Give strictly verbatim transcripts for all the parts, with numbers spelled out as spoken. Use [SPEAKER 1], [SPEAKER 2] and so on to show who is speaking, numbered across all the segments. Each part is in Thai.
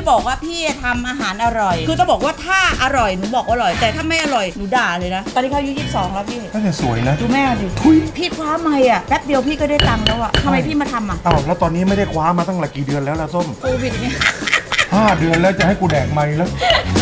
[SPEAKER 1] บอกว่าพี่ทำอาหารอร่อยคือต้องบอกว่าถ้าอร่อยหนูบอกอร่อยแต่ถ้าไม่อร่อยหนูด่าเลยนะตอนนี้เขาอายุยี่สิบสองแล้วพี่
[SPEAKER 2] ก็จะสวยนะ
[SPEAKER 1] ดูแม่ดิพี่คว้าไม่อ่ะแป๊บเดียวพี่ก็ได้ตังค์แล้วอ่ะทำไมพี่มาทำอ่ะ
[SPEAKER 2] อ้าวแล้วตอนนี้ไม่ได้คว้ามาตั้งหลายกี่เดือนแล้วล่ะส้ม
[SPEAKER 1] โควิดเนี่ย
[SPEAKER 2] ห้าเดือนแล้วจะให้กูแดกไม่แล้ว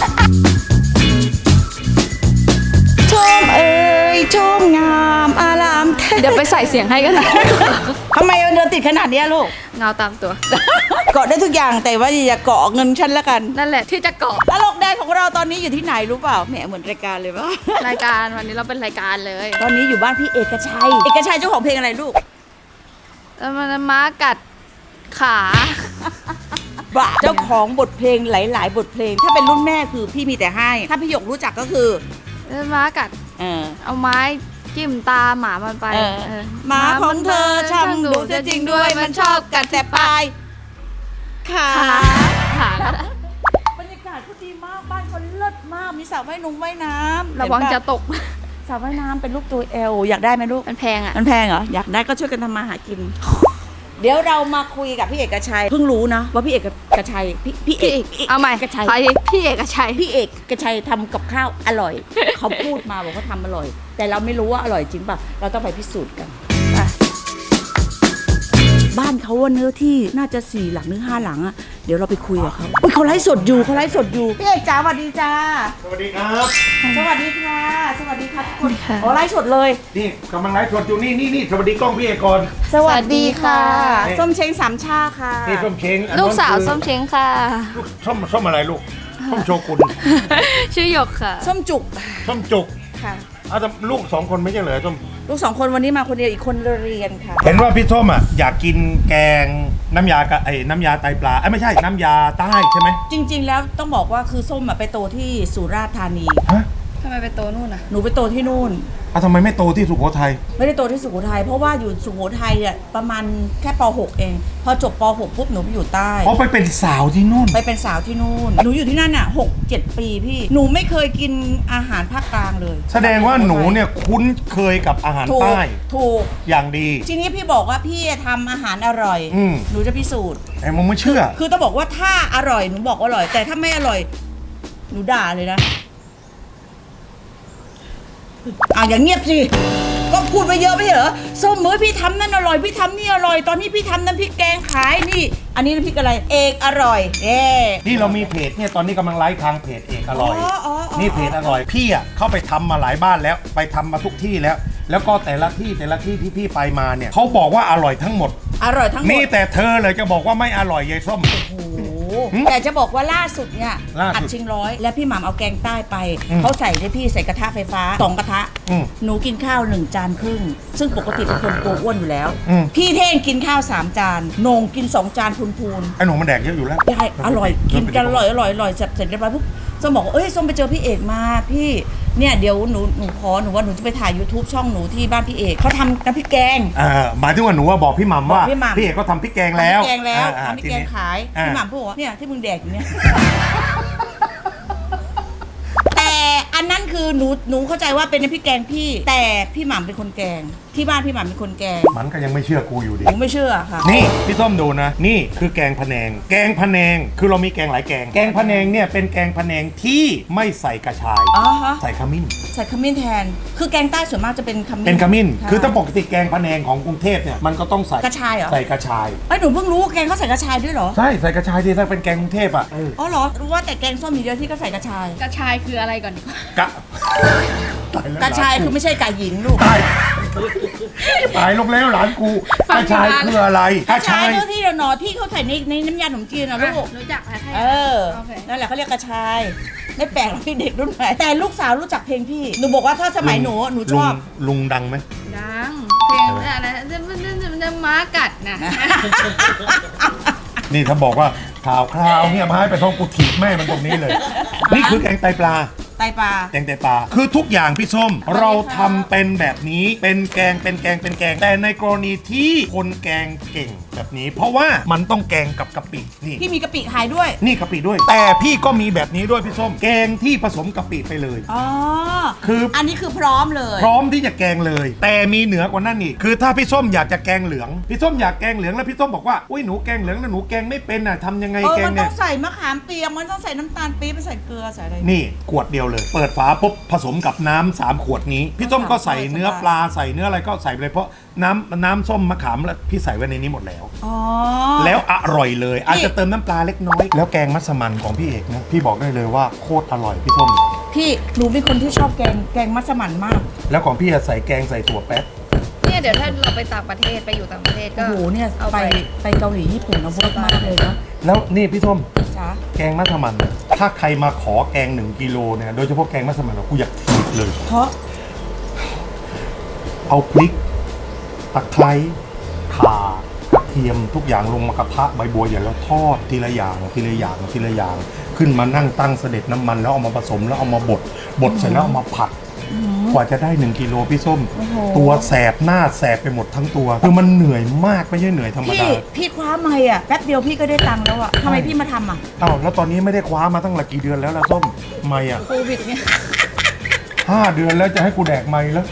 [SPEAKER 1] ชมเอ้ยชมงามอาราม
[SPEAKER 3] เดี๋ยวไปใส่เสียงให้กันนะ
[SPEAKER 1] ทำไมมันเดินติดขนาดนี้ลูก
[SPEAKER 3] เงาตามตัว
[SPEAKER 1] เกาะได้ทุกอย่างแต่ว่าอย่าเกาะเงินฉันละกัน
[SPEAKER 3] นั่นแหละที่จะเกาะ
[SPEAKER 1] ตลกแดงของเราตอนนี้อยู่ที่ไหนรู้เปล่าแหมเหมือนรายการเลยว่
[SPEAKER 3] ารายการวันนี้เราเป็นรายการเลย
[SPEAKER 1] ตอนนี้อยู่บ้านพี่เอกชัยเอกชัยเจ้าของเพลงอะไรลูก
[SPEAKER 3] แล้วมันม้ากัดขา
[SPEAKER 1] บ้าเจ้าของบทเพลงหลายๆบทเพลงถ้าเป็นรุ่นแม่คือพี่มีแต่ให้ถ้าพี่หยกรู้จักก็คือ
[SPEAKER 3] ม้ากัด
[SPEAKER 1] เออ
[SPEAKER 3] เอาไม้จิ้มตาหมามันไป
[SPEAKER 1] หมาของเธอช่างดุจริงด้วยมันชอบกัดแต่ปลายขา
[SPEAKER 3] ขา
[SPEAKER 1] บรรยากาศเขาดีมากบ้านเขาเลิศมากมีสระว่ายน้ำว่ายน้ำ
[SPEAKER 3] ระวังจะตก
[SPEAKER 1] สระว่ายน้ำเป็นรูปตัวเอลอยากได้ไหมลูก
[SPEAKER 3] มันแพงอ่ะ
[SPEAKER 1] มันแพงเหรออยากได้ก็ช่วยกันทำมาหากินเดี๋ยวเรามาคุยกับพี่เอกชัยเพิ่งรู้นะว่าพี่เอกชัยพี่พี่เอก
[SPEAKER 3] เอาใหม่กระชัยพี่เอกชัย
[SPEAKER 1] พี่เอกชัยทำกับข้าวอร่อยเขาพูดมาบอกว่าทำอร่อยแต่เราไม่รู้ว่าอร่อยจริงป่ะเราต้องไปพิสูจน์กันบ้านเขาว่าเนื้อที่น่าจะสี่หลังหรือห้าหลังอะเดี๋ยวเราไปคุยกับเขาอุ้ยเขาไลฟ์สดอยู่เขาไลฟ์สดอยู่พี่เอกจ๋าสวัสดีจ้า
[SPEAKER 2] สวัสดีครับ
[SPEAKER 1] สวัสดีค่ะสวัสดีค่ะทุกคนอ๋อไลฟ์สดเลย
[SPEAKER 2] นี่กำลังไลฟ์สดอยู่นี่นี่นี่สวัสดีกล้องพี่เอกก่อน
[SPEAKER 1] สวัสดีค่ะส้มเช้งสามชาค่ะ
[SPEAKER 2] นี่ส้มเช้ง
[SPEAKER 3] ลูกสาวส้มเช้งค่ะ
[SPEAKER 2] ลูกส้มส้มอะไรลูกส้มโชกุน
[SPEAKER 3] ชื่อหยกค่ะ
[SPEAKER 1] ส้มจุก
[SPEAKER 2] ส้มจุก
[SPEAKER 1] ค่ะ
[SPEAKER 2] อ้าวแต่ลูกสองคนไม่ใช่เหรอส้ม
[SPEAKER 1] ลูกสองคนวันนี้มาคนเดียวอีกคนเรียนค่ะ
[SPEAKER 2] เห็นว่าพี่ส้มอ่ะอยากกินแกงน้ำยากะไอ้น้ำยาไตปลาไอ้ไม่ใช่น้ำยาใต้ใช่ไหม
[SPEAKER 1] จริงๆแล้วต้องบอกว่าคือส้มอ่ะไปโตที่สุราษฎร์ธานี
[SPEAKER 2] ฮะ
[SPEAKER 3] ทำไมไปโตนู่นอ่ะ
[SPEAKER 1] หนูไปโตที่นู่น
[SPEAKER 2] อ้าวทำไมไม่โตที่สุโขทัย
[SPEAKER 1] ไม่ได้โตที่สุโขทัยเพราะว่าอยู่สุโขทัยอ่ะประมาณแค่ป หกเองพอจบป หกปุ๊บหนูไปอยู่ใต้
[SPEAKER 2] เพราะไปเป็นสาวที่นู่น
[SPEAKER 1] ไปเป็นสาวที่นู่นหนูอยู่ที่นั่นอ่ะหกเจ็ดปีพี่หนูไม่เคยกินอาหารภาคกลางเลย
[SPEAKER 2] แสดงว่าหนูเนี่ยคุ้นเคยกับอาหารใต้
[SPEAKER 1] ถูก
[SPEAKER 2] อย่างดี
[SPEAKER 1] ทีนี้พี่บอกว่าพี่ทำอาหารอร่อยหนูจะพิสูจน์
[SPEAKER 2] ไอ้มึงไม่เชื่อ
[SPEAKER 1] คือต้องบอกว่าถ้าอร่อยหนูบอกอร่อยแต่ถ้าไม่อร่อยหนูด่าเลยนะอ่ะอย่างเงียบสิก็พูดไปเยอะไม่เหรอส้มมือพี่ทำนั่นอร่อยพี่ทำนี่อร่อยตอนนี้พี่ทำน้ำพริกแกงขายนี่อันนี้น้ำพริกอะไรเอกอร่อยเอ๊
[SPEAKER 2] นี่เรามีเพจเนี่ยตอนนี้กำลังไลฟ์ทางเพจเอกอร่อยนี่เพจอร่อยพี่อ่ะเข้าไปทำมาหลายบ้านแล้วไปทำมาทุกที่แล้วแล้วก็แต่ละที่แต่ละที่ที่พี่ไปมาเนี่ยเขาบอกว่าอร่อยทั้งหมด
[SPEAKER 1] อร่อยทั้งหมด
[SPEAKER 2] นี่แต่เธอเลยจะบอกว่าไม่อร่อยยายส้ม
[SPEAKER 1] แต่จะบอกว่าล่าสุดเนี่ยอัดชิงร้อยแล้วพี่หม่ำเอาแกงใต้ไปเขาใส่ได้พี่ใส่กระทะไฟฟ้าสองกระทะหนูกินข้าวหนึ่งจานครึ่งซึ่งปกติเป็นคนตัวอ้วนอยู่แล้วพี่เท่งกินข้าวสามจานโหน่งกินสองจานพูน
[SPEAKER 2] ๆไอ้หนูมันแดกเยอะอยู่แล้ว
[SPEAKER 1] ใช่อร่อยกินกันอร่อยอร่อยอร่อยเสร็จเรียบร้อยปุ๊บส้มบอกเอ้ยส้มไปเจอพี่เอกมาพี่เนี่ยเดี๋ยวหนูหนูขอหนูว่าหนูจะไปถ่าย YouTube ช่องหนูที่บ้านพี่เอกเขาทำน้ำพริกแกง
[SPEAKER 2] อ่าหมายถึงว่าหนูว่าบอกพี่หม่ำว่าพี่เอกก็ทำพริกแกงแล้ว
[SPEAKER 1] พริกแกงแล้วทำพริกแกงขายพี่หม่ำพูดว่าเนี่ยที่มึงแดกอยู่เนี่ยแต่อันนั้นคือหนูหนูเข้าใจว่าเป็นน้ำพริกแกงพี่แต่พี่หม่ำเป็นคนแกงที่บ้านพี่หม่ำเป็นคนแกง
[SPEAKER 2] มันก็ยังไม่เชื่อกูอยู่ดิ
[SPEAKER 1] ผมไม่เชื่อค่ะ
[SPEAKER 2] นี่พี่ส้มดูนะนี่คือแกงพะแนงแกงพะแนงคือเรามีแกงหลายแกงแกงพะแนงเนี่ยเป็นแกงพะแนงที่ไม่ใส่กระชายใส่ขมิ้น
[SPEAKER 1] ใส่ขมิ้นแทนคือแกงใต้ส่วนมากจะเป็นขมิ้น
[SPEAKER 2] เป็นขมิ้นคือถ้าปกติแกงพะแนงของกรุงเทพเนี่ยมันก็ต้องใส่
[SPEAKER 1] กระชายเหรอ
[SPEAKER 2] ใส่กระชาย
[SPEAKER 1] ไอ้หนูเพิ่งรู้แกงเขาใส่กระชายด้วยเหรอ
[SPEAKER 2] ใช่ใส่กระชายดีถ้าเป็นแกงกรุงเทพอ่ะ
[SPEAKER 1] อ๋อเหรอรู้ว่าแต่แกงส้มมีเดียวที่ก็ใส่กระชาย
[SPEAKER 3] กระชายคืออะไรก่อน
[SPEAKER 2] กะ
[SPEAKER 1] กระชายคือไม่ใช่ไก่หญิงลูก
[SPEAKER 2] ตายลงแล้วหลานกูกระชายคืออะไร
[SPEAKER 1] กระชายที่เราหนอที่เขาใส่ในในน้ำยาขนมจีนนะลูก
[SPEAKER 3] รู้จักไหม
[SPEAKER 1] เออนั่นแหละเขาเรียกกระชายไม่แปลกหรอกพี่เด็กรุ่นใหม่แต่ลูกสาวรู้จักเพลงพี่หนูบอกว่าถ้าสมัยหนูหนูชอบ
[SPEAKER 2] ลุงดังไหม
[SPEAKER 3] ดังเพลงอะไรจะจะม้ากัดนะ
[SPEAKER 2] นี่ถ้าบอกว่าข่าวคราวเนี่ยมาให้ไปท้องกูถีบแม่มันตรงนี้เลยนี่คือแกงไตปลา
[SPEAKER 1] ไตไตปลา
[SPEAKER 2] แกงไตปลาคือทุกอย่างพี่ส้มเราทำเป็นแบบนี้เป็นแกงเป็นแกงเป็นแกงแต่ในกรณีที่คนแกงเก่งแบบนี้ เพราะว่ามันต้องแกงกับกะปินี่
[SPEAKER 1] พี่มีกะปิขายด้วย
[SPEAKER 2] นี่กะปิด้วย แต่พี่ก็มีแบบนี้ด้วยพี่ส้มแกงที่ผสมกะปิไปเลย
[SPEAKER 1] อ๋อ
[SPEAKER 2] คืออั
[SPEAKER 1] นนี้คือพร้อมเลย
[SPEAKER 2] พร้อมที่จะแกงเลย แต่มีเหนือกว่านั้นอีกคือถ้าพี่ส้มอยากจะแกงเหลืองพี่ส้มอยากแกงเหลืองแล้วพี่ส้มบอกว่าอุ้ยหนูแกงเหลืองนะหนูแกงไม่เป็นน่ะทำยังไง
[SPEAKER 1] เออ
[SPEAKER 2] แกง
[SPEAKER 1] มันต้
[SPEAKER 2] เนี่
[SPEAKER 1] อย งใส่มะขามเปียกมันต้องใส่น้ำตาลปี๊บไปใส่เกลือใส่อะไร
[SPEAKER 2] นี่ขวดเดียวเลย เปิดฝาปุ๊บผสมกับน้ำสามขวดนี้พี่ส้มก็ใส่เนื้อปลาใส่เนื้ออะไรก็ใส่ไปเลยเพราะน้ำน้ำส้มมะขามแล้วพี่ใส่ไว้ในนี้หมดแล้ว
[SPEAKER 1] อ๋อ
[SPEAKER 2] แล้วอร่อยเลยอาจจะเติมน้ำปลาเล็กน้อยแล้วแกงมัสมั่นของพี่เอกนะพี่บอกได้เลยว่าโคตรอร่อยพี่ส้ม
[SPEAKER 1] พี่หนูเป็นคนที่ชอบแกงแกงมัสมั่นมาก
[SPEAKER 2] แล้วของพี่อะใส่แกงใส่ถั่วแป๊บ
[SPEAKER 3] เนี่ยเดี๋ยวถ้าเราไปต่างประเทศไปอยู่ต่างประเทศก็
[SPEAKER 1] โอ้โหเนี่ย
[SPEAKER 3] เอา
[SPEAKER 1] ไป
[SPEAKER 3] ไป
[SPEAKER 1] ไปเกาหลีญี่ปุ่นนะเวิร์กมากเลยนะ
[SPEAKER 2] แล้วนี่พี่ส้ม
[SPEAKER 1] จ๊ะ
[SPEAKER 2] แกงมัสมั่นถ้าใครมาขอแกงหนึ่งกิโลเนี่ยโดยเฉพาะแกงมัสมั่นกูอยากถีบเลย
[SPEAKER 1] เพราะ
[SPEAKER 2] เอาพริกตะไคร้ข่ากระเทียมทุกอย่างลงมากระทะใบบัวอย่างแล้วทอดทีละอย่างทีละอย่างทีละอย่าง ขึ้นมานั่งตั้งเสด็จน้ำมันแล้วเอามาผสมแล้วเอามาบดบดเสร็จแล้วเอามาผัด กว่าจะได้หนึ่งกิโลพี่ส้ม ตัวแสบหน้าแสบไปหมดทั้งตัวคือมันเหนื่อยมากไม่ใช่เหนื่อยธรรม
[SPEAKER 1] พี่
[SPEAKER 2] ดา
[SPEAKER 1] พี่คว้าไม่อ่ะแป๊บเดียวพี่ก็ได้ตังค์แล้วอ่ะทำไมพี่มาทำอ่ะ
[SPEAKER 2] อ้าวแล้วตอนนี้ไม่ได้คว้ามาตั้งหลายกี่เดือนแล้วล่ะส้มไม่อ่ะ
[SPEAKER 3] โควิดเนี่ย
[SPEAKER 2] ห้าเดือนแล้วจะให้กูแดกไม่แล้ว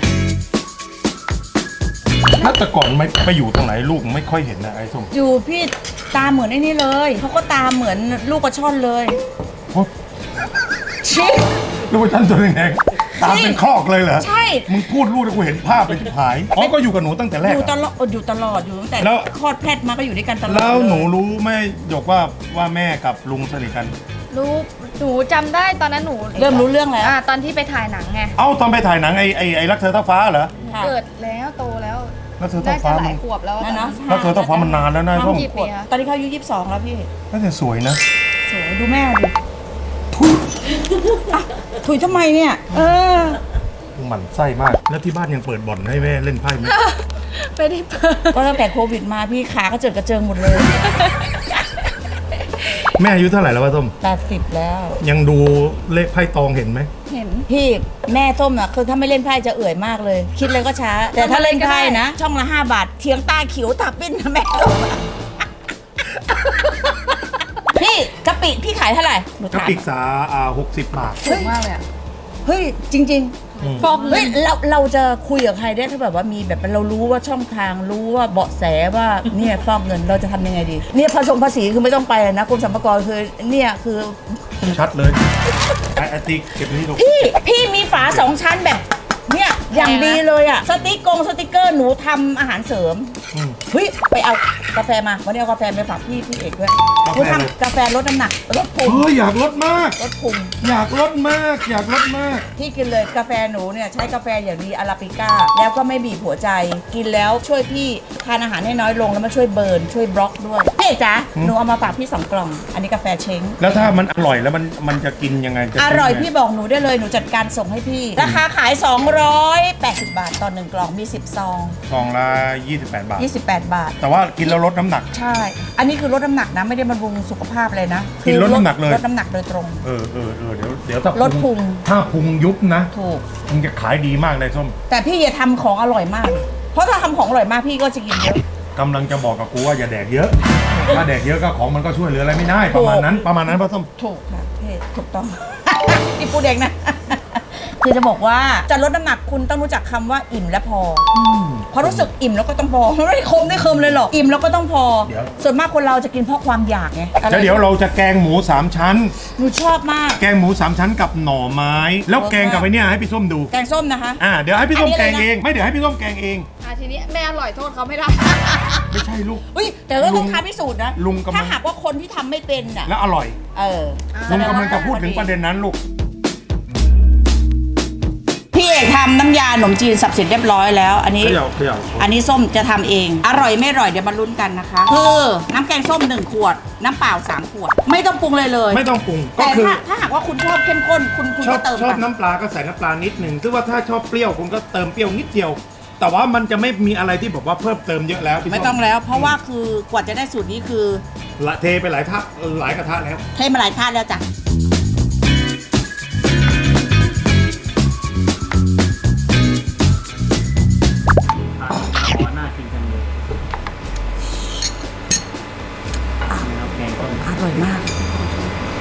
[SPEAKER 2] ถ้าแต่ก่อนไม่ไปอยู่ตรงไหนลูกไม่ค่อยเห็นนะไอ้ส้ม
[SPEAKER 1] อยู่พี่ตาเหมือนไอ้นี่เลยเขาก็ตาเหมือนลูกกระช่อนเลย
[SPEAKER 2] โอ้
[SPEAKER 1] ชิ
[SPEAKER 2] ลูกฉันตัวแดงๆตามเป็นคลอกเลยเหรอ
[SPEAKER 1] ใช่
[SPEAKER 2] มึงพูดลูกแล้วกูเห็นภาพไปที่หายอ๋อก็อยู่กับหนูตั้งแต่แร
[SPEAKER 1] อก ยู่ต
[SPEAKER 2] อะ
[SPEAKER 1] ลอดอยู่ตลอดอยู่ตั้งแต่
[SPEAKER 2] แล้ว
[SPEAKER 1] คลอดแพทย์มาก็อยู่ด้วยกันตลอด
[SPEAKER 2] แล้วหนู
[SPEAKER 1] เย
[SPEAKER 2] รู้ไหมหยกว่าว่าแม่กับลุงสนิทกัน
[SPEAKER 3] รู้หนูจำได้ตอนนั้นหนู
[SPEAKER 1] เริ่มรู้เรื่องแล้ว
[SPEAKER 3] อ่าตอนที่ไปถ่ายหนังไง
[SPEAKER 2] เอ้าตอนไปถ่ายหนังไอ้ไอ้ไอ้รักเธอเท่าฟ้าเหรอ
[SPEAKER 1] ค่ะ
[SPEAKER 3] เกิดแล้วโตแล้ว
[SPEAKER 2] รักเธอ
[SPEAKER 3] น่า
[SPEAKER 2] เท่า
[SPEAKER 3] จะ
[SPEAKER 2] ฟ้า
[SPEAKER 3] ห
[SPEAKER 2] มั
[SPEAKER 3] ลาน ยขวบแล้ว
[SPEAKER 1] นั่นเนาะ
[SPEAKER 2] รักเธอเท่าฟ้ามันนานแล้วนะส้ม
[SPEAKER 3] กี่ปีอะ
[SPEAKER 1] ตอนนี้เขาอายุยี่สิบสองแล้วพี่
[SPEAKER 2] น่าจะสวยนะ
[SPEAKER 1] สวยดูแม่ดิอ่ะถุยทำไมเนี่ย เออ
[SPEAKER 2] หมั่นไส้มาก แล้วที่บ้านยังเปิดบ่อนให้แม่เล่นไพ่ไหม
[SPEAKER 3] ไม่ได้เปิด
[SPEAKER 1] ก็ตั้งแต่โควิดมาพี่ขาก็เจิดกระเจิงหมดเลย
[SPEAKER 2] แม่อายุเท่าไหร่แล้ววะส้ม
[SPEAKER 1] แปดสิบแล้ว
[SPEAKER 2] ยังดูเลขไพ่ตองเห็นไหม
[SPEAKER 3] เห็น
[SPEAKER 1] พี่แม่ส้มน่ะคือถ้าไม่เล่นไพ่จะเอื่อยมากเลย คิดเลยก็ช้า แต่ถ้าเล่นไพ่นะ ช่องละห้าบาทเทียงตาขิวตาปิ้นนะแม่ส้มอะพี่กะปิพี่ขายเท่าไหร่หนู
[SPEAKER 2] กระ
[SPEAKER 1] ถาม
[SPEAKER 2] ปิกษาอ่าหกสิบบาท
[SPEAKER 3] ถูกมากเลยอะ
[SPEAKER 1] เฮ้ยจริง
[SPEAKER 2] อืม
[SPEAKER 3] ฟอก
[SPEAKER 1] ๆ
[SPEAKER 3] เงิ
[SPEAKER 1] เฮ้ย
[SPEAKER 3] น
[SPEAKER 1] เราเราจะคุยกับใครได้ถ้าแบบว่ามีแบบเรารู้ว่าช่องทางรู้ว่าเบาะแสว่าเนี่ยฟอกเงินเราจะทำยังไงดี เนี่ยผสมภาษีคือไม่ต้องไปเลยนะกรมสรรพากรคือเนี่ยคือ
[SPEAKER 2] ชัดเลยไอ้ไอติ๊กเก็บนี่ลูก
[SPEAKER 1] พี่พี่มีฝาสองชั้นแบบเนี่ยอย่างดีเลยอะสติ๊กกงสติ๊กเกอร์หนูทำอาหารเสริม
[SPEAKER 2] อืม
[SPEAKER 1] เฮ้ยไปเอากาแฟมาวันนี้เอากาแฟไปฝากพี่พี่เอกด้วย
[SPEAKER 2] กาแฟ
[SPEAKER 1] หนูทำกาแฟลดน้ำหนักลดพุง
[SPEAKER 2] เฮ้ยอยากลดมาก
[SPEAKER 1] ลดพุง
[SPEAKER 2] อยากลดมาก อยากลดมาก
[SPEAKER 1] พี่กินเลยกาแฟหนูเนี่ยใช้กาแฟอย่างดีอาราบิก้าแล้วก็ไม่บีบหัวใจ กินแล้วช่วยพี่ทานอาหารให้น้อยลงแล้วมาช่วยเบิร์นช่วยบล็อกด้วยพี่เอกจ๊ะ
[SPEAKER 2] อืม
[SPEAKER 1] หนูเอามาฝากพี่สองกล่อง อันนี้กาแฟเช้ง
[SPEAKER 2] แล้วถ้ามันอร่อยแล้วมันมันจะกินยังไงจะ
[SPEAKER 1] อร่อย
[SPEAKER 2] กินงไง
[SPEAKER 1] พี่บอกหนูได้เลยหนูจัดการส่งให้พี่ ราคาขาย สองร้อยแปดสิบบาทต่อหนึ่งกล่องมีสิบซอง
[SPEAKER 2] ซองละยี่สิบแปดบาท
[SPEAKER 1] ยี่สิบแปดบาท
[SPEAKER 2] แต่ว่ากินแล้วลดน้ำหนัก
[SPEAKER 1] ใช่ อันนี้คือลดน้ำหนักนะไม่ได้บำรุงสุขภาพเลยนะ
[SPEAKER 2] กินลดน้ำหนักเลย
[SPEAKER 1] ลดน้ำหนักโดยตรง
[SPEAKER 2] เออเออเออเดี๋ยวเดี๋ยวถ้า
[SPEAKER 1] ลดพุง
[SPEAKER 2] ถ้าพุงยุบนะ
[SPEAKER 1] ถูก
[SPEAKER 2] มึงจะขายดีมากเลยส้ม
[SPEAKER 1] แต่พี่อย่าทำของอร่อยมาก เพราะถ้าทำของอร่อยมากพี่ก็จะกินเยอะ
[SPEAKER 2] กำลังจะบอกกับกูว่าอย่าแดกเยอะ ถ้าแดกเยอะก็ของมันก็ช่วยเหลืออะไรไม่ได้ ประมาณนั้นประมาณนั้นป่ะส้ม
[SPEAKER 1] ถูกค่ะพี่ถูกต้อง พี่พูดเองนะ คือจะบอกว่าจะลดน้ำหนักคุณต้องรู้จักคำว่าอิ่มและพออเพราะรู้สึกอิ่มแล้วก็ต้องพอไม่ได้คมได้เคิมเลยหรอกอิ่มแล้วก็ต้องพอ
[SPEAKER 2] เดี๋ยว
[SPEAKER 1] ส่วนมากคนเราจะกินเพราะความอยากไงอะไร
[SPEAKER 2] แล้วเดี๋ยวเราจะแกงหมูสามชั้น
[SPEAKER 1] หนูชอบมาก
[SPEAKER 2] แกงหมูสามชั้นกับหน่อไม้ แล้วแกงกับไอ้เนี่ยให้พี่ส้มดู
[SPEAKER 1] แกงส้มนะคะ
[SPEAKER 2] อ่าเดี๋ยวให้พี่ส้ม
[SPEAKER 1] อันนี้
[SPEAKER 2] แก
[SPEAKER 1] เลย
[SPEAKER 2] ง
[SPEAKER 1] นะ
[SPEAKER 2] เองไม่เดี๋ยวให้พี่ส้มแกงเอง
[SPEAKER 3] อ่ะทีนี้แม่อร่อยโทษเขาไม่ได้
[SPEAKER 2] ไม่ใช่ลูก
[SPEAKER 1] อุ้ยแต่ก็ต้องท้าพิสูจน์นะ
[SPEAKER 2] ลุงกำลัง
[SPEAKER 1] ถ้าหากว่าคนที่ทำไม่เป็นอ่ะ
[SPEAKER 2] แล้วอร่อย
[SPEAKER 1] เออ
[SPEAKER 2] ลุงกำลังจะพูดถึงประเด็นนั้นลูก
[SPEAKER 1] พี่เอกทำน้ำยาขนมจีนสับเสร็จเรียบร้อยแล้ว อันนี้
[SPEAKER 2] เขย่าเขย่า
[SPEAKER 1] อันนี้ส้มจะทำเอง อร่อยไม่อร่อยเดี๋ยวมาลุ้นกันนะคะ คือน้ำแกงส้มหนึ่งขวด น้ำเปล่าสามขวด ไม่ต้องปรุงเลยเลย
[SPEAKER 2] ไม่ต้องปรุงก็
[SPEAKER 1] แต่
[SPEAKER 2] คือ
[SPEAKER 1] ถ้าถ้าหากว่าคุณชอบเข้มข้นคุณคุณ
[SPEAKER 2] ชอ
[SPEAKER 1] ก็
[SPEAKER 2] บ
[SPEAKER 1] เติม
[SPEAKER 2] ชอบ
[SPEAKER 1] ไป
[SPEAKER 2] น้ำปลาก็ใส่น้ำปลานิดหนึ่งซึ่งว่าถ้าชอบเปรี้ยวคุณก็เติมเปรี้ยวนิดเดียว แต่ว่ามันจะไม่มีอะไรที่บอกว่าเพิ่มเติมเยอะแล้วพี่ส้
[SPEAKER 1] ไม่ต้องแล้ว เพราะว่าคือกว่าจะได้สูตรนี้คือ
[SPEAKER 2] ละเทไปหลายทัพหลายกระทะแล้ว
[SPEAKER 1] เทมาหลายท่านแล้วจ้ะ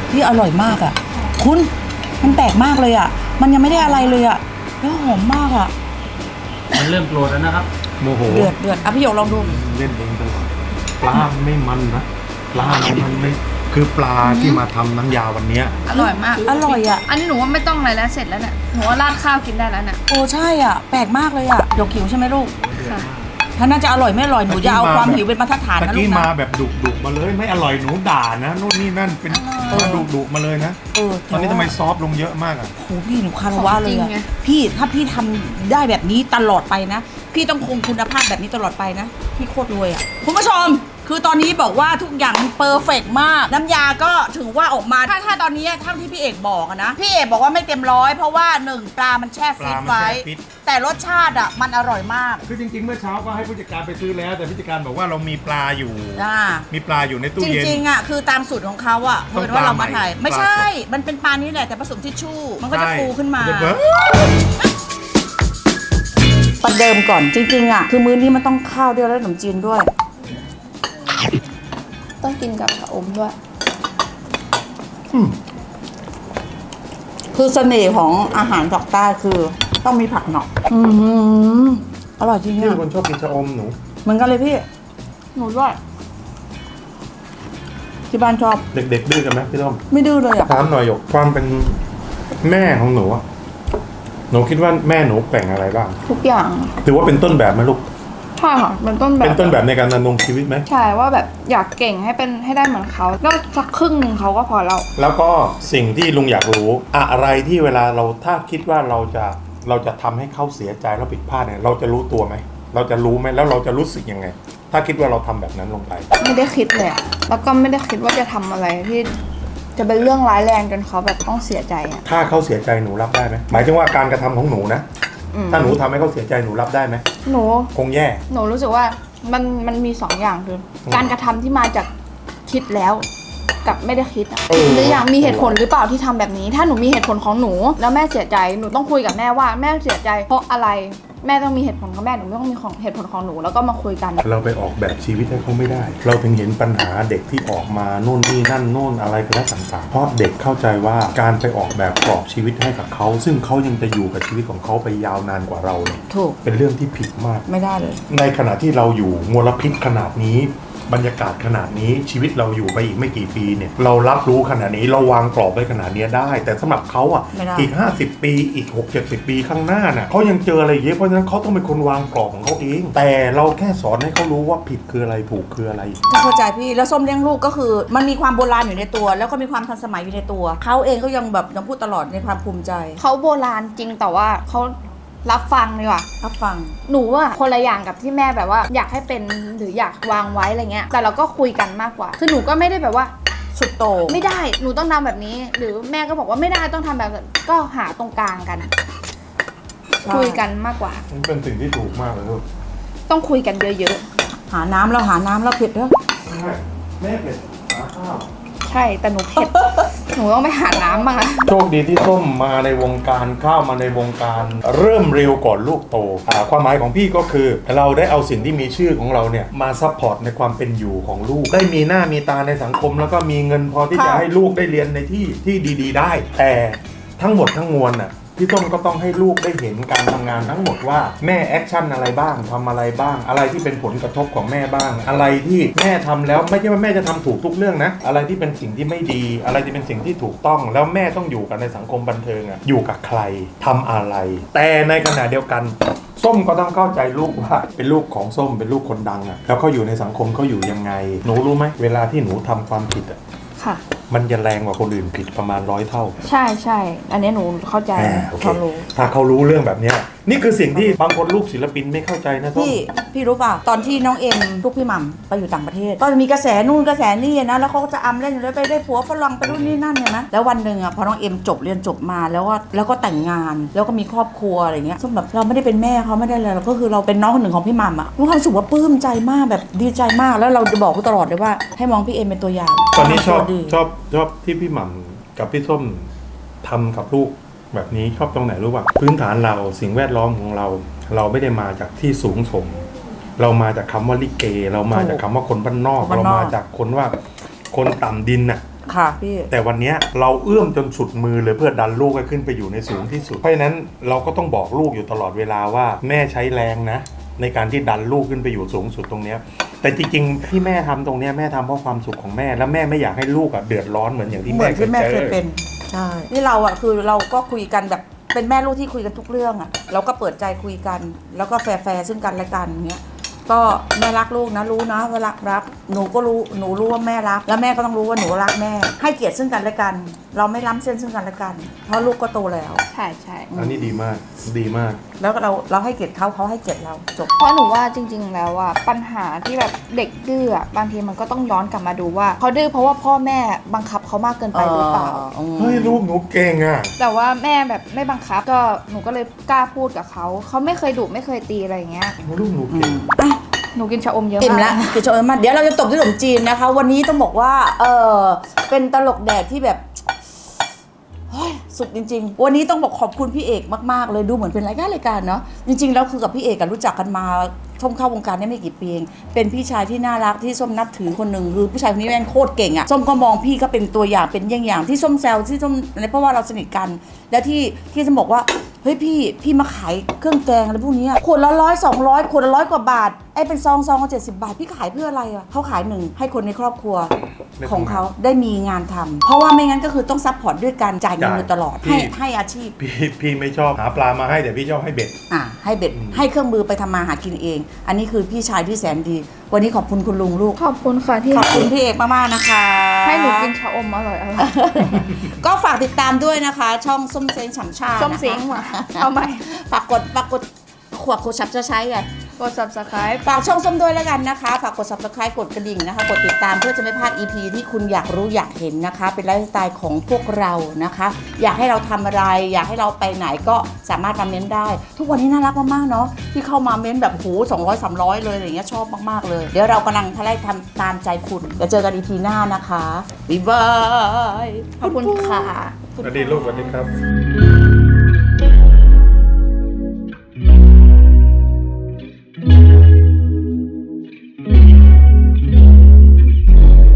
[SPEAKER 1] พี่อร่อยมากอ่ะคุณมันแปลกมากเลยอ่ะมันยังไม่ได้อะไรเลยอ่ะแล้วหอมมากอ่ะ
[SPEAKER 4] มันเริ่มโกรธแล้วนะครับ
[SPEAKER 2] โมโห
[SPEAKER 1] เดือดเดือดอ่ะพี่หยกลองดู
[SPEAKER 2] เล่นเองตลอดปลาไม่มันนะปลามันไม่คือปลาที่มาทำน้ำยาวันเนี้ย
[SPEAKER 3] อร่อยมาก
[SPEAKER 1] อร่อยอ่ะ
[SPEAKER 3] อันนี้หนูว่าไม่ต้องอะไรแล้วเสร็จแล้วเนี่ยหนูว่าราดข้าวกินได้แล้วเนี่ย
[SPEAKER 1] โอ้ใช่อ่ะแปลกมากเลยอ่ะหยกหิวใช่ไหมลูก
[SPEAKER 3] ค่ะ
[SPEAKER 1] ถ้าน่าจะอร่อยไม่อร่อยหนูจะเอาความหิวเป็นมาตรฐาน
[SPEAKER 2] ตะ
[SPEAKER 1] นะลู
[SPEAKER 2] กี้
[SPEAKER 1] ก
[SPEAKER 2] มา
[SPEAKER 1] นะ
[SPEAKER 2] แบบดุดุมาเลยไม่อร่อยหนูด่านะนู่นนี่นั่นเป็นมาดุดุมาเลยนะ
[SPEAKER 1] เออ
[SPEAKER 2] ตอนนี้ทำไมซอฟต์ลงเยอะมากอ่ะ
[SPEAKER 1] โหพี่หนูคารวะเลย
[SPEAKER 3] ของจริ
[SPEAKER 1] อะ
[SPEAKER 3] งไง
[SPEAKER 1] พี่ถ้าพี่ทำได้แบบนี้ตลอดไปนะ พี่ต้องคงคุณภาพแบบนี้ตลอดไปนะ พี่โคตรรวยอ่ะคุณผู้ชม คือตอนนี้บอกว่าทุกอย่างมันเพอร์เฟกต์มาก น้ำยาก็ถือว่าออกมาถ้าถ้าตอนนี้เท่าที่พี่เอกบอกอะนะพี่เอกบอกว่าไม่เต็มร้อยเพราะว่าหนึ่งปลามันแช่ฟรีซ
[SPEAKER 2] ปลามัน
[SPEAKER 1] ไว้
[SPEAKER 2] แช่ฟรีซ
[SPEAKER 1] แต่รสชาติอ่ะมันอร่อยมาก
[SPEAKER 2] คือจริงๆเมื่อเช้าก็ให้ผู้จัดการไปซื้อแล้ว แต่ผู้จัดการบอกว่าเรามีปลาอยู่
[SPEAKER 1] อ่า
[SPEAKER 2] มีปลาอยู่ในตู้
[SPEAKER 1] จ
[SPEAKER 2] เย็น
[SPEAKER 1] ริงๆอ่ะคือตามสูตรของเขาอ่ะ
[SPEAKER 2] ต้
[SPEAKER 1] เพื่
[SPEAKER 2] อง
[SPEAKER 1] อนว่าเรามาถ่าย
[SPEAKER 2] ปลาใหม่
[SPEAKER 1] ไม่ใช่
[SPEAKER 2] ปลาสด
[SPEAKER 1] มันเป็นปลานี้แหละแต่ผสมทิชชู่มันก็จะ
[SPEAKER 2] ใช่
[SPEAKER 1] ฟูขึ้นมา
[SPEAKER 2] จะเบิร์
[SPEAKER 1] ประเดิมก่อนจริงๆอ่ะคือมื้อนี้มันต้องข้าวด้วยแล้วขนมจีนด้วย
[SPEAKER 3] ต้องกินกับชะอมด้วย
[SPEAKER 2] อืม
[SPEAKER 1] คือเสน่ห์ของอาหารภาคใต้คือต้องมีผักหน่ออืมอร่อยจริง
[SPEAKER 2] พี่
[SPEAKER 1] อ่ะ
[SPEAKER 2] เป็นคนชอบกินชะอมหนู
[SPEAKER 1] เหมือนกันเลยพี่หนูด้วยที่บ้านชอบ
[SPEAKER 2] เด็กๆดื้อกันไหมพี่ต้อม
[SPEAKER 1] ไม่ดื้อเลยอ่ะ
[SPEAKER 2] ถามหน่อยหยกความเป็นแม่ของหนูอะหนูคิดว่าแม่หนูแป่งอะไรบ้าง
[SPEAKER 3] ทุกอย่าง
[SPEAKER 2] ถือว่าเป็นต้นแบบไหมลูก
[SPEAKER 3] ใช่ค่ะเป็นต้นแบบ
[SPEAKER 2] เป็นต้นแบบในการดำรงชีวิตไหม
[SPEAKER 3] ใช่ว่าแบบอยากเก่งให้เป็นให้ได้เหมือนเขาก็สักครึ่งหนึ่งเขาก็พอแล้ว
[SPEAKER 2] แล้วก็สิ่งที่ลุงอยากรู้อะไรที่เวลาเราถ้าคิดว่าเราจะเราจะทำให้เขาเสียใจแล้วผิดพลาดเนี่ยเราจะรู้ตัวไหมเราจะรู้ไหมแล้วเราจะรู้สึกยังไง ถ้าคิดว่าเราทำแบบนั้นลงไป
[SPEAKER 3] ไม่ได้คิดเลยอะแล้วก็ไม่ได้คิดว่าจะทำอะไรที่จะเป็นเรื่องร้ายแรงจนเขาแบบต้องเสียใจอ่ะ
[SPEAKER 2] ถ้าเขาเสียใจหนูรับได้ไหมหมายถึงว่าการกระทำของหนูนะ
[SPEAKER 3] อืม
[SPEAKER 2] ถ้าหนูทำให้เขาเสียใจหนูรับได้ไหม
[SPEAKER 3] หนู
[SPEAKER 2] คงแย่
[SPEAKER 3] หนูรู้สึกว่ามันมันมีสองอย่างคือ
[SPEAKER 2] ม
[SPEAKER 3] การกระทำที่มาจากคิดแล้วกับไม่ได้คิดอ่ะ
[SPEAKER 2] เออ
[SPEAKER 3] หรืออย่างมีเหตุผลหรือเปล่าที่ทำแบบนี้ ถ้าหนูมีเหตุผลของหนูแล้วแม่เสียใจหนูต้องคุยกับแม่ว่าแม่เสียใจเพราะอะไรแม่ต้องมีเหตุผลของแม่หนูไม่ต้องมีของเหตุผลของหนูแล้วก็มาคุยกัน
[SPEAKER 2] เราไปออกแบบชีวิตให้เขาไม่ได้ เราถึงเห็นปัญหาเด็กที่ออกมาโน่นนี่นั่นโน่นอะไรก็แล้วต่างๆเพราะเด็กเข้าใจว่าการไปออกแบบกรอบชีวิตให้กับเขาซึ่งเขายังจะอยู่กับชีวิตของเขาไปยาวนานกว่าเราเนี่ย
[SPEAKER 1] ถูก
[SPEAKER 2] เป็นเรื่องที่ผิดมาก
[SPEAKER 1] ไม่ได้เลย
[SPEAKER 2] ในขณะที่เราอยู่มลพิษขนาดนี้บรรยากาศขนาดนี้ชีวิตเราอยู่ไปอีกไม่กี่ปีเนี่ยเรารับรู้ขนาดนี้เราวางกรอบไว้ขนาดนี้ได้ แต่สำหรับเขาอ่ะ
[SPEAKER 1] ไม่ได้
[SPEAKER 2] อีกห้าสิบปีอีกหกเจ็ดสิบปีข้างหน้าน่ะเขายังเจออะไรเยอะเพราะฉะนั้นเขาต้องเป็นคนวางกรอบของเขาเอง แต่เราแค่สอนให้เขารู้ว่าผิดคืออะไรถูกคืออะไร
[SPEAKER 1] เข้าใจพี่แล้วส้มเลี้ยงลูกก็คือ มันมีความโบราณอยู่ในตัว แล้วก็มีความทันสมัยอยู่ในตัวเขาเองก็ยังแบบยังพูดตลอดในความภูมิใจ
[SPEAKER 3] เขาโบราณจริงแต่ว่าเขารับฟังดีกว่า
[SPEAKER 1] รับฟัง
[SPEAKER 3] หนูอะคนละอย่างกับที่แม่แบบว่าอยากให้เป็นหรืออยากวางไว้อะไรเงี้ยแต่เราก็คุยกันมากกว่า คือหนูก็ไม่ได้แบบว่า
[SPEAKER 1] สุดโต่ง
[SPEAKER 3] ไม่ได้หนูต้องทำแบบนี้ หรือแม่ก็บอกว่าไม่ได้ต้องทำแบบนั้นก็หาตรงกลางกัน คุยกันมากกว่า
[SPEAKER 2] มันเป็นสิ่งที่ถูกมากเลยลูก
[SPEAKER 3] ต้องคุยกันเยอะ
[SPEAKER 1] หาน้ำแล้วหาน้ำแล้วเผ็ดเด้อ
[SPEAKER 2] แม่เป็ดหาข้าว
[SPEAKER 3] ๆ ใช่แต่หนูเผ็ด หนูต้องไปหาน้ำบ้างนะ
[SPEAKER 2] โชคดีที่ส้มมาในวงการเข้ามาในวงการเริ่มเร็วก่อนลูกโตอ่าความหมายของพี่ก็คือ เราได้เอาสิ่งที่มีชื่อของเราเนี่ยมาซัพพอร์ตในความเป็นอยู่ของลูก ได้มีหน้ามีตาในสังคม แล้วก็มีเงินพอที่จะให้ลูกได้เรียนในที่ที่ดีๆ ได้ แต่ทั้งหมดทั้งมวลน่ะพี่ต้นก็ต้องให้ลูกได้เห็นการทำงานทั้งหมดว่าแม่แอคชั่นอะไรบ้างทำอะไรบ้าง อะไรที่เป็นผลกระทบของแม่บ้าง อะไรที่แม่ทำแล้วไม่ใช่ว่าแม่จะทำถูกทุกเรื่องนะอะไรที่เป็นสิ่งที่ไม่ดี อะไรที่เป็นสิ่งที่ถูกต้องแล้วแม่ต้องอยู่กันในสังคมบันเทิงอะอยู่กับใครทำอะไร แต่ในขณะเดียวกันส้มก็ต้องเข้าใจลูกว่าเป็นลูกของส้มเป็นลูกคนดังอะแล้วเขาอยู่ในสังคมเขาอยู่ยังไงหนูรู้ไหมเวลาที่หนูทำความผิดอะ
[SPEAKER 3] ค่ะ
[SPEAKER 2] มันจะแรงกว่าคนอื่นผิดประมาณร้อยเท่า
[SPEAKER 3] ใช่ใช่อันนี้หนูเข้าใจ
[SPEAKER 2] อ่าโอเค
[SPEAKER 3] เขารู้
[SPEAKER 2] ถ้าเขารู้เรื่องแบบเนี้ยนี่คือสิ่งที่บางคนลูกศิลปินไม่เข้าใจนะส้ม
[SPEAKER 1] พี่พี่รู้เปล่าตอนที่น้องเอ็มลูกพี่หม่ำไปอยู่ต่างประเทศก็มีกระแสนู่นกระแสนี่นะแล้วเขาก็จะอำเล่นอยู่แล้วไปได้ผัวฝรั่งไปนู่นนี่นั่นเนี่ยนะแล้ววันหนึ่งอ่ะพอน้องเอ็มจบเรียนจบมาแล้วก็แล้วก็แต่งงานแล้วก็มีครอบครัวอะไรเงี้ยซึ่งแบบเราไม่ได้เป็นแม่เขาไม่ได้เลยเราก็คือเราเป็นน้องคนหนึ่งของพี่หม่ำอ่ะมีความรู้สึกว่าปลื้มใจมากแบบดีใจมากแล้วเราจะบอกเขาตลอดเลยว่าให้มองพี่เอ็มเป็นตัวอย่าง
[SPEAKER 2] ตอนนี้ชอบ
[SPEAKER 1] ดี
[SPEAKER 2] ชอบชอบที่พี่หม่ำกับพี่ส้มทำกับลูกแบบนี้ชอบตรงไหนรู้ป่ะพื้นฐานเราสิ่งแวดล้อมของเรา เราไม่ได้มาจากที่สูงส่งเรามาจากคำว่าลิเก เรามาจากคำว่าคนบ้านนอก เรามาจากคนว่าคนต่ำดินน่ะ
[SPEAKER 1] ค่ะพี่
[SPEAKER 2] แต่วันนี้เราเอื้อมจนสุดมือเลยเพื่อดันลูกให้ขึ้นไปอยู่ในสูงที่สุดเพราะฉะนั้นเราก็ต้องบอกลูกอยู่ตลอดเวลาว่าแม่ใช้แรงนะในการที่ดันลูกขึ้นไปอยู่สูงสุดตรงเนี้ยแต่จริงๆที่แม่ทำตรงเนี้ยแม่ทำเพราะความสุขของแม่แล้วแม่ไม่อยากให้ลูกอ่ะเดือดร้อนเหมือนอย่างที่
[SPEAKER 1] เหมื
[SPEAKER 2] แม่
[SPEAKER 1] อนที่แม่
[SPEAKER 2] เค
[SPEAKER 1] เค
[SPEAKER 2] ย
[SPEAKER 1] ย
[SPEAKER 2] เจ
[SPEAKER 1] เป็
[SPEAKER 2] อน
[SPEAKER 1] ใช่นี่เราอ่ะคือเราก็คุยกันแบบเป็นแม่ลูกที่คุยกันทุกเรื่องอ่ะเราก็เปิดใจคุยกัน แล้วก็แฟร์ๆซึ่งกันและกันเงี้ยก็แม่รักลูกนะรู้นะว่ารักรักหนูก็รู้หนูรู้ว่าแม่รักแล้วแม่ก็ต้องรู้ว่าหนูรักแม่ให้เกียรติซึ่งกันและกัน เราไม่ล้ำเส้นซึ่งกันและกัน เพราะลูกก็โตแล้ว
[SPEAKER 3] ใช่ใช่
[SPEAKER 2] อันนี้ดีมากดีมาก
[SPEAKER 1] แล้วเราเราให้เกียรติเขาเขาให้เกียรติเราจบ
[SPEAKER 3] เพราะหนูว่าจริง ๆ แล้วอ่ะปัญหาที่แบบเด็กดื้ออะบางทีมันก็ต้องย้อนกลับมาดูว่าเขาดื้อเพราะว่าพ่อแม่บังคับเขามากเกินไปหรือเปล่า
[SPEAKER 2] เฮ้ยลูกหนูเก่งอ่ะ
[SPEAKER 3] แต่ว่าแม่แบบไม่บังคับก็หนูก็เลยกล้าพูดกับเขาเขาไม่เคยดุไม่เคยตีอะไรอย่างเงี้ย
[SPEAKER 2] ลูกหนูเก่ง
[SPEAKER 3] หนูกินชะอมเยอะ
[SPEAKER 1] อิ่ม
[SPEAKER 3] มาก
[SPEAKER 1] ละคือโชว์มาเดี๋ยวเราจะตบด้วยขนมจีนนะคะ วันนี้ต้องบอกว่าเออเป็นตลกแดกที่แบบเฮ้ยสุดจริง ๆ วันนี้ต้องบอกขอบคุณพี่เอกมากๆเลยดูเหมือนเป็นรายการรายการเนาะจริงๆแล้วคือกับพี่เอกกันรู้จักกันมาส้มเข้าวงการได้ไม่กี่ปีเองเป็นพี่ชายที่น่ารักที่ส้มนับถือคนหนึ่งคือผู้ชายคนนี้แม่งโคตรเก่งอะส้มก็มองพี่ก็เป็นตัวอย่างเป็นเยี่ยงอย่างที่ส้มแซวที่ส้มอะไรเพราะว่าเราสนิทกัน และที่ที่ส้มบอกว่าเฮ้ยพี่พี่มาขายเครื่องแกงอะไรพวกนี้ขวดละร้อยสองร้อยขวดละร้อยกว่าบาทไอ้เป็นซองซองก็เจ็ดสิบบาทพี่ขายเพื่ออะไรอะเขาขายหนึ่งให้คนในครอบครัวของเขาได้มีงานทำเพราะว่าไม่งั้นก็คือต้องซัพพอร์ตด้วยการจ่ายเงินโดยตลอดให้ให้อาชีพ
[SPEAKER 2] พี่พี่ไม่ชอบหาปลามาให้แต่พี่ชอบให้เบ็ด
[SPEAKER 1] อ่ะให้เบ็ดให้เครื่องมือไปทำมาหากินเอง อันนี้คือพี่ชายที่แสนดี วันนี้ขอบคุณคุณลุงลูก
[SPEAKER 3] ขอบคุณค่ะที่
[SPEAKER 1] ขอบคุณพี่เอกมากๆนะคะ
[SPEAKER 3] ให้หนูกินชะอมอร่อยอร่อย
[SPEAKER 1] ก็ฝากติดตามด้วยนะคะ ช่องส้มเซ้งฉ่ำชา
[SPEAKER 3] ส้มเซ้งว่ะเอาใหม่
[SPEAKER 1] ฝากกดฝากกดขวดโคชับจะใช้ไง
[SPEAKER 3] กด subscribe
[SPEAKER 1] ฝากช่องส้มด้วยแล้วกันนะคะ ฝากกด subscribe กดกระดิ่งนะคะ กดติดตามเพื่อจะไม่พลาด อี พี ที่คุณอยากรู้อยากเห็นนะคะ เป็นไลฟ์สไตล์ของพวกเรานะคะ อยากให้เราทำอะไร อยากให้เราไปไหนก็สามารถมาเม้นได้ ทุกวันนี้น่ารักมากๆเนาะที่เข้ามาเม้นแบบโหสองร้อยสามร้อยเลยอะไรอย่างเงี้ยชอบมากๆเลย เดี๋ยวเรากำลังทะเลทำตามใจคุณเดี๋ยวเจอกัน อี พี หน้านะคะบ๊ายบาย
[SPEAKER 3] ขอบคุณค่ะ
[SPEAKER 2] สวัสดีลูกสวัสดีครับ